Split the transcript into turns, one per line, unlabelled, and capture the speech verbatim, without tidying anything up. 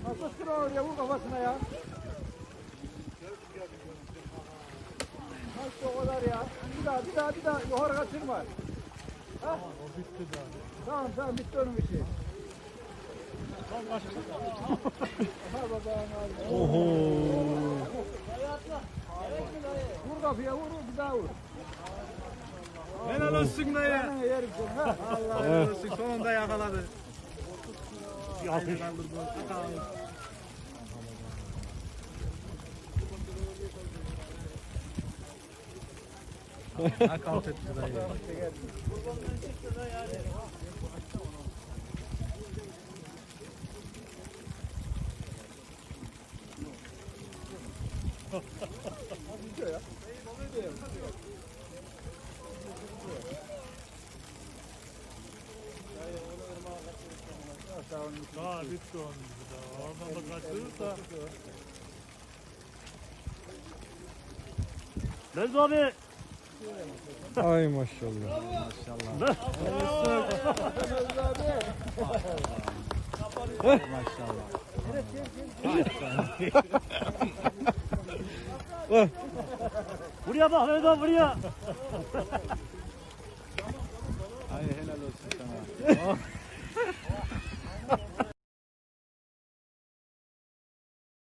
Nasıl sıra oraya vur kafasına ya. Nasıl o kadar ya? Bir daha bir daha bir daha yukarı kaçırma. Ha?
O bitti daha.
Tamam tamam bitti onun işi.
Tam kaçtı.
Ha babam
Oho.
vur kapıya vur bir daha vur.
Helal olsun dayı.
Sana yerim seni ha.
Allah helal olsun. Sonunda yakaladı.
Yapış.
Nakavt etti dayı. Daha bitti onun gibi daha. Oradan da kaçırırsa.
Lez abi. Ay maşallah.
Maşallah. Maşallah.
Buraya bak Mehmet abi buraya.
Ay helal olsun sana.